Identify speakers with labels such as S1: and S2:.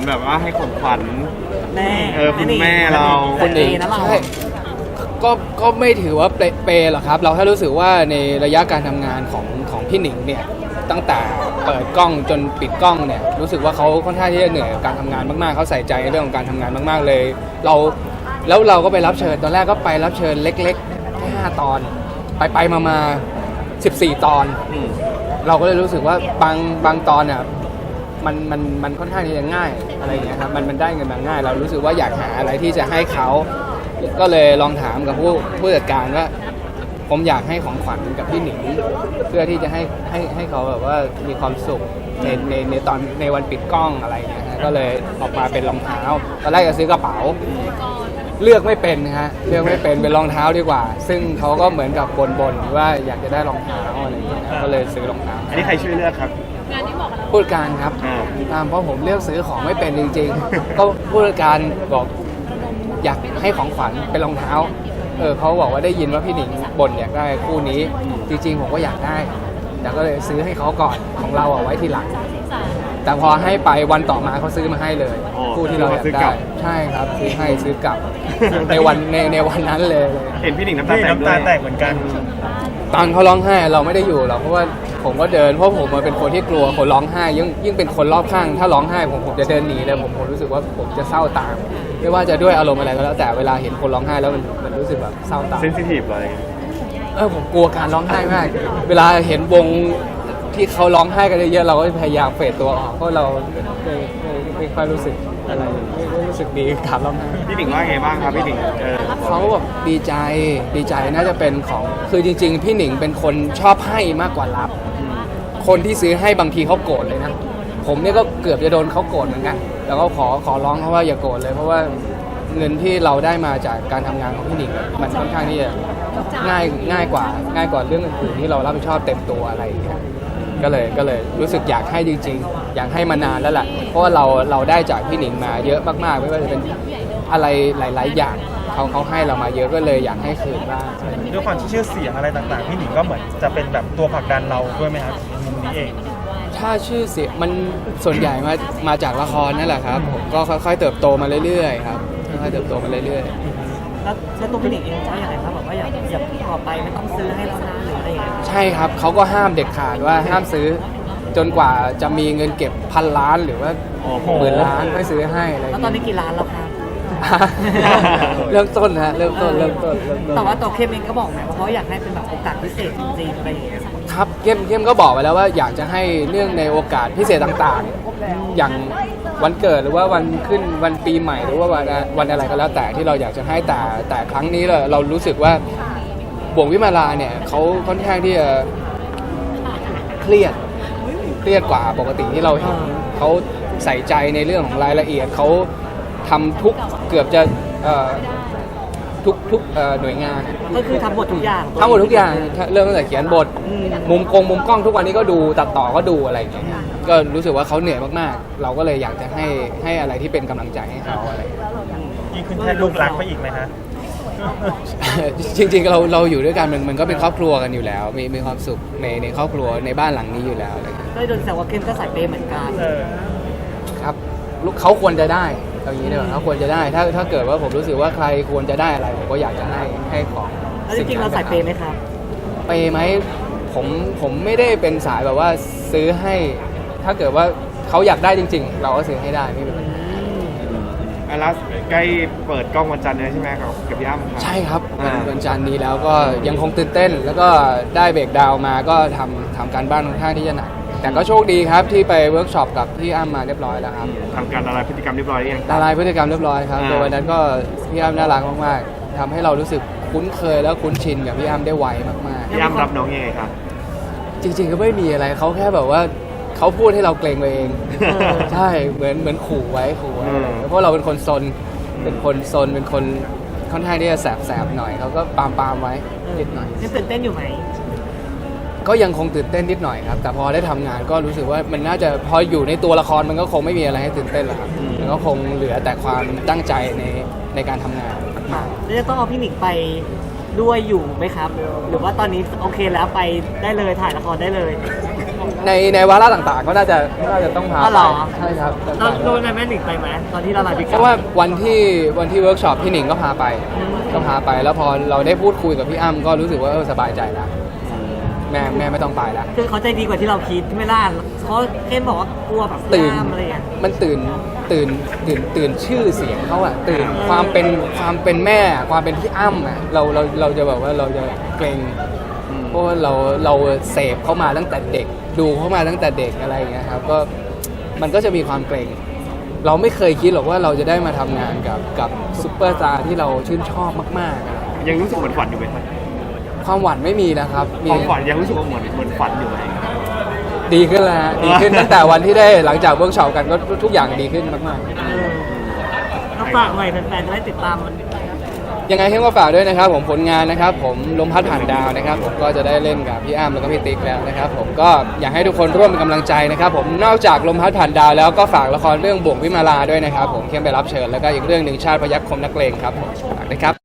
S1: แบบว่าให้ของขวัญ
S2: แม่
S1: คุณแม่เรา
S2: คนเองนะเรา
S3: ใช่ก็ไม่ถือว่าเปย์หรอกครับเราแค่รู้สึกว่าในระยะการทำงานของพี่หนิงเนี่ยตั้งแต่เปิดกล้องจนปิดกล้องเนี่ยรู้สึกว่าเขาค่อนข้างที่จะเหนื่อยกับการทำงานมากๆเขาใส่ใจในเรื่องของการทำงานมากๆเลยแล้วเราก็ไปรับเชิญตอนแรกก็ไปรับเชิญเล็กๆแค่5 ตอนไปมา14 ตอนเราก็เลยรู้สึกว่าบางตอนเนี่ยมันค่อนข้างที่จะง่ายอะไรอย่างเงี้ยครับมันได้เงินมาง่ายเรารู้สึกว่าอยากหาอะไรที่จะให้เขาก็เลยลองถามกับผู้จัดการว่าผมอยากให้ของขวัญกับพี่หนิงเพื่อที่จะให้เขาแบบว่ามีความสุขในตอนในวันปิดกล้องอะไรอย่างเงี้ยก็เลยออกมาเป็นรองเท้าตอนแรกจะซื้อกระเป๋าเลือกไม่เป็นฮะเลือกไม่เป็นรองเท้าดีกว่าซึ่งเขาก็เหมือนกับบ่นว่าอยากจะได้รองเท้าอะไรอย่างเงี้ยก็เลยซื้อรองเท้า
S1: อันนี้ใครช่วยเลือกครับ
S3: ผู้จัดการครับตามเพราะผมเลือกซื้อของไม่เป็นจริงๆก็ผู้จัดการบอกอยากให้ของขวัญเป็นรองเท้าเขาบอกว่าได้ยินว่าพี่หนิงบ่นอยากได้คู่นี้จริงๆผมก็อยากได้แต่ก็เลยซื้อให้เขาก่อนของเราเอาไว้ทีหลังแต่พอให้ไปวันต่อมาเขาซื้อมาให้เลยคู่ที่เราอยากได้ใช่ครับซื้อกลับในวันนั้นเลย
S1: เห็นพี่หนิงน้ำตาแตกเหมือนกัน
S3: ตอนเขาร้องไห้เราไม่ได้อยู่หรอกเพราะว่าผมก็เดินเพราะผมเป็นคนที่กลัวคนร้องไห้ยิ่งเป็นคนรอบข้างถ้าร้องไห้ผมจะเดินหนีเลยผมรู้สึกว่าผมจะเศร้าตามไม่ว่าจะด้วยอารมณ์อะไรก็แล้วแต่เวลาเห็นคนร้องไห้แล้วมันรู้สึกแบบเศร้าตาม
S1: เซนซิทีฟเลย
S3: ผมกลัวการร้องไห้มากเวลาเห็นวงที่เขาร้องไห้กันเยอะๆเราก็พยายามเฟดตัวออกเพราะเราไม่ค่อยรู้สึกอะไรไม่รู้สึกดีกับร้องไห้
S1: พี่หนิงว่าไงบ้างครับพี่หนิง
S3: เขาแบบดีใจน่าจะเป็นของคือจริงๆพี่หนิงเป็นคนชอบให้มากกว่ารับคนที่ซื้อให้บางทีเขาโกรธเลยนะผมเนี่ยก็เกือบจะโดนเขาโกรธเหมือนกันแล้วก็ขอร้องเขาว่าอย่าโกรธเลยเพราะว่าเงินที่เราได้มาจากการทำงานของพี่หนิงมันค่อนข้างที่จะง่ายกว่าเรื่องอื่นๆที่เรารับผิดชอบเต็มตัวอะไรอย่างเงี้ยก็เลยรู้สึกอยากให้จริงๆอยากให้มานานแล้วแหละเพราะว่าเราได้จากพี่หนิงมาเยอะมากๆไม่ว่าจะเป็นอะไรหลายๆอย่างเขาให้เรามาเยอะก็เลยอยากให้คืนบ้าง
S4: ด้วยความที่ชื่อเสียงอะไรต่างๆพี่หนิงก็เหมือนจะเป็นแบบตัวผลักดันเราด้วยไหมครับมุมนี้เอง
S3: ถ้าชื่อเสียงมันส่วนใหญ่มาจากละครนั่นแหละครับผมก็ค่อยๆเติบโตมาเรื่อยๆครับค่อยๆเติบโตมาเรื่อย
S2: ๆแล้วตัวพี่หนิงเองจะอย่างไรครับบอกว่าอย่าต่อไปไม่ต้องซื้อให้แล้วนะหรืออะไรอย่างเงี้ย
S3: ใช่ครับเขาก็ห้ามเด็ดขาดว่าห้ามซื้อจนกว่าจะมีเงินเก็บ1,000 ล้านหรือว่า10,000 ล้านไม่ซื้อให้อะไร
S2: แล้วตอนนี้กี่ล้านแล้วครับ
S3: เริ่มต้นฮะเริ่มต้น
S2: แต่ว่าตัวเข้มเองก็บอกนะเพราะอยากให้เป็นแบบโอกาสพิเศษจริงๆอะไรอย่างเงี้ย
S3: ครับเข้มก็บอกไปแล้วว่าอยากจะให้เรื่องในโอกาสพิเศษต่างๆอย่างวันเกิดหรือว่าวันขึ้นวันปีใหม่หรือว่าวันอะไรก็แล้วแต่ที่เราอยากจะให้แต่ครั้งนี้เรารู้สึกว่าบ่วงวิมาลาเนี่ยเขาค่อนข้างที่จะเครียดกว่าปกติที่เราเห็นเขาใส่ใจในเรื่องของรายละเอียดเขาทำเกือบจะทุกหน่วยงาน
S2: ก็คือทำหมดทุกอย่าง
S3: เริ่มตั้งแต่เขียนบทมุมกล้องทุกวันนี้ก็ดูตัดต่อก็ดูอะไรอย่างเงี้ยก็รู้สึกว่าเขาเหนื่อยมากๆเราก็เลยอยากจะให้อะไรที่เป็นกำลังใจให้เขาอะไร
S4: ยิ่งขึ้นแทนลูกรักไปอีกไหมฮะ
S3: จริงๆเราอยู่ด้วยกันมันก็เป็นครอบครัวกันอยู่แล้วมีความสุขในครอบครัวในบ้านหลังนี้อยู่แล้วอะไรอย่างเงี้ย
S2: ก็โดนแซวว่าเข้มก็ใส่เปย์เหมือนกัน
S3: ครับเขาควรจะได้อย่างนี้เนี่ยเขาควรจะได้ถ้าเกิดว่าผมรู้สึกว่าใครควรจะได้อะไรผมก็อยากจะให้ของ
S2: แล้วจริงๆเราใส่เปย์ไหมครับ
S3: เปย์ไหมผมไม่ได้เป็นสายแบบว่าซื้อให้ถ้าเกิดว่าเขาอยากได้จริงๆเราก็ซื้อให้ได้ไม่เป็นไร
S1: แล้วใกล้เปิดกล้องวันจันทร์เลยใช่ไหมครับกับพี่อ้ำ
S3: ใช่ครับวันจันทร์นี้แล้วก็ยังคงตื่นเต้นแล้วก็ได้เบรกดาวมาก็ทำการบ้านค่อนข้างที่จะหนักแต่ก็โชคดีครับที่ไปเวิร์กช็อปกับพี่อ้ำมาเรียบร้อยแล้วครับ
S1: ทำการละลายพฤติกรรมเรียบร้อยยัง
S3: ละลายพฤติกรรมเรียบร้อยครับโดยวันนั้นก็พี่อ้ำน่ารักมากๆทำให้เรารู้สึกคุ้นเคยแล้วคุ้นชินกับพี่อ้ำได้ไวมาก
S1: ๆพี่อ้ำรับน้องยังไงครับ
S3: จริงๆก็ไม่มีอะไรเขาแค่แบบว่าเขาพูดให้เราเกรงไปเองใช่เหมือนขู่ไว้เพราะเราเป็นคนซนเป็นคนค่อนข้างที่จะแสบหน่อยเขาก็ปามไว้นิดหน่อย
S2: ยังตื่นเต้นอยู่ไหม
S3: ก็ยังคงตื่นเต้นนิดหน่อยครับแต่พอได้ทำงานก็รู้สึกว่ามันน่าจะพออยู่ในตัวละครมันก็คงไม่มีอะไรให้ตื่นเต้นแล้วครับมันก็คงเหลือแต่ความตั้งใจในการทำงาน
S2: แล้วจะต้องเอาพี่หนิงไปด้วยอยู่ไหมครับหรือว่าตอนนี้โอเคแล้วไปได้เลยถ่ายละครได้เลย
S3: ในวาระต่างๆก็น่าจะต้องพา
S2: อ๋อ
S3: ไป
S2: เหรอ
S3: ใช่ครับ
S2: เราโดนแม่หนิงไปไหมตอนที่ละลายพฤติก
S3: เพ
S2: รรม
S3: ราะว่าวันที่เวิร์กช็อปพี่หนิงก็พาไปแล้วพอเราได้พูดคุยกับพี่อ้ำก็รู้สึกว่าสบายใจแล้วแม่ไม่ต้องไปแล้ว
S2: คือเขาใจดีกว่าที่เราคิดไม่ล่ะเขาแค่บอกว่ากลัวแบบ
S3: ตื่น
S2: ย่ามอะไรอย่างเงี้ย
S3: มันตื่นชื่อเสียงเขาอะตื่นความเป็นแม่ความเป็นพี่อ้ำอะเราจะแบบว่าเราจะเกรงเพราะว่าเราเสพเขามาตั้งแต่เด็กดูเขามาตั้งแต่เด็กอะไรอย่างเงี้ยครับก็มันก็จะมีความเกรงเราไม่เคยคิดหรอกว่าเราจะได้มาทำงานกับซุปเปอร์สตาร์ที่เราชื่นชอบมากๆอะไร
S1: ยังรู้สึกเหมือนฝันอยู่ไหมครับ
S3: ความหวั่นไม่มีนะครับมี
S1: ความฝันยังรู้สึกว่าเหมือนฝันอยู่ไหม
S3: ดีขึ้นแล้วฮะดีขึ้นตั้งแต่วันที่ได้หลังจากเวิร์กช็อปกันก็ทุกอย่างดีขึ้นมากๆ
S2: ก็ฝากหน่อยแฟนๆจะได้ติดตามมัน
S3: ยังไงเข้มก็ฝากด้วยนะครับผมผลงานนะครับผมลมพัดผ่านดาวนะครับผมก็จะได้เล่นกับพี่อ้ำแล้วก็พี่ติ๊กแล้วนะครับผมก็อยากให้ทุกคนร่วมเป็นกำลังใจนะครับผมนอกจากลมพัดผ่านดาวแล้วก็ฝากละครเรื่องบ่วงวิมาลาด้วยนะครับผมเข้มไปรับเชิญแล้วก็อีกเรื่องหนึ่งชาติพยัคฆ์คมนักเลงครับผมฝากด้วยครับ